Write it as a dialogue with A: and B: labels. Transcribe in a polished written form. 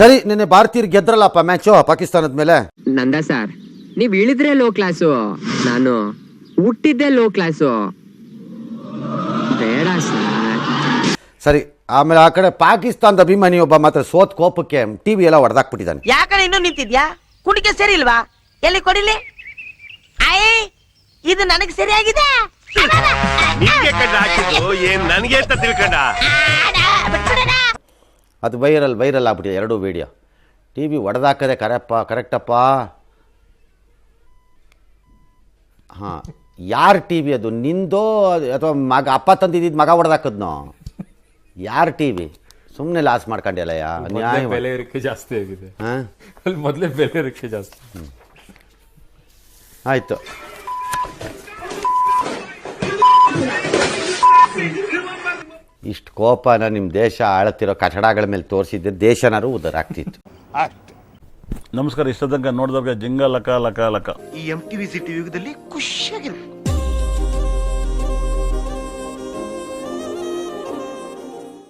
A: ಸರಿ, ನಿನ್ನೆ ಭಾರತೀಯರು ಗೆದ್ರಲ್ಲಪ್ಪ ಮ್ಯಾಚು ಪಾಕಿಸ್ತಾನದ ಮೇಲೆ.
B: ನಂದ ಸರ್, ನೀವ್ ಇಳಿದ್ರೆ ಲೋ ಕ್ಲಾಸು, ನಾನು ಹುಟ್ಟಿದ್ದೆ ಲೋ ಕ್ಲಾಸು. ಬೇಡ ಸರ್.
A: ಸರಿ, ಆಮೇಲೆ ಆ ಕಡೆ ಪಾಕಿಸ್ತಾನದ ಅಭಿಮಾನಿ ಒಬ್ಬ ಮಾತ್ರ ಸೋತ್ ಕೋಪಕ್ಕೆ ಟಿವಿ ಎಲ್ಲ ಹೊಡೆದಾಕ್ಬಿಟ್ಟಿದ್ದಾನೆ.
C: ಯಾಕಡೆ ಇನ್ನೂ ನಿಂತಿದ್ಯಾ? ಕುಡಿಕೆ ಸರಿ ಇಲ್ವಾ? ಎಲ್ಲಿ ಕೊಡಿಲಿ? ಅಯ್ಯ, ಇದು ನನಗೆ ಸರಿಯಾಗಿದೆ.
D: ನನಗೆ ಅಂತ ತಿಳ್ಕೊಂಡ
A: ಅದು ವೈರಲ್ ಆಗ್ಬಿಟ್ಟಿದೆ ಎರಡೂ ವಿಡಿಯೋ. ಟಿವಿ ಹೊಡೆದಾಕದೆ ಕರೆಕ್ಟಪ್ಪ. ಹಾಂ, ಯಾರ ಟಿವಿ ಅದು? ನಿಂದೋ ಅಥವಾ ಮಗ? ಅಪ್ಪ ತಂದಿದ್ದ ಮಗ ಹೊಡೆದಾಕದ್ನೋ? ಯಾರ ಟಿವಿ? ಸುಮ್ಮನೆ ಲಾಸ್ ಮಾಡ್ಕೊಂಡಿಲ್ಲಯ್ಯ.
E: ಬೆಲೆ ಏರಿಕೆ ಜಾಸ್ತಿ ಆಗಿದೆ.
A: ಹಾಂ,
E: ಅಲ್ಲಿ ಮೊದಲೇ ಬೆಲೆ ಏರಿಕೆ ಜಾಸ್ತಿ.
A: ಆಯಿತು. ಇಷ್ಟು ಕೋಪನ ನಿಮ್ಮ ದೇಶ ಆಳ್ತಿರೋ ಕಟ್ಟಡಗಳ ಮೇಲೆ ತೋರಿಸಿದ್ದೆ ದೇಶನಾರು ಉದ್ಧಾರ ಆಗ್ತಿತ್ತು.
F: ನಮಸ್ಕಾರ. ಇಷ್ಟ ತನಕ ನೋಡಿದವ್ರಿಗೆ ಜಿಂಗ ಲಕ ಲಕ ಲಕ.
D: ಈ MTV ಸಿಟಿ ಯುಗದಲ್ಲಿ ಖುಷಿಯಾಗಿರ್ಬೇಕು.